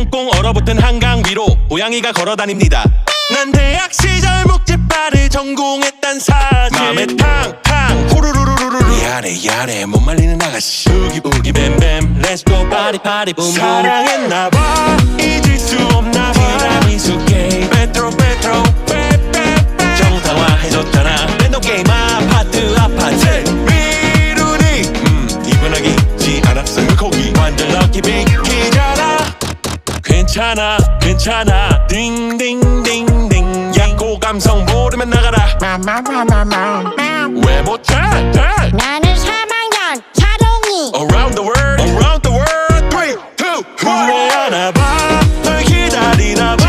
꽁꽁 얼어붙은 한강 위로 고양이가 걸어다닙니다. 난 대학 시절 묵찌빠를 전공했단 사실. 맘에 탕탕 후루루루루루 야래 못 말리는 아가씨. 우기 우기 뱀뱀 Let's go party party boom boom. 사랑했나봐 잊을 수 없나봐. 티라미수 게임 페트로 빼빼빼 정상화해줬잖아. 랜덤 게임 아파트 미루니 이분하기 않았어. 물고기 완전 럭키 비키잖아. 괜찮아 딩딩딩딩 약고 감성 모르면 나가라. 왜 못해? 나는 3학년 사동이. Around the world 3, 2, 1. 후회하나봐 널 기다리나봐.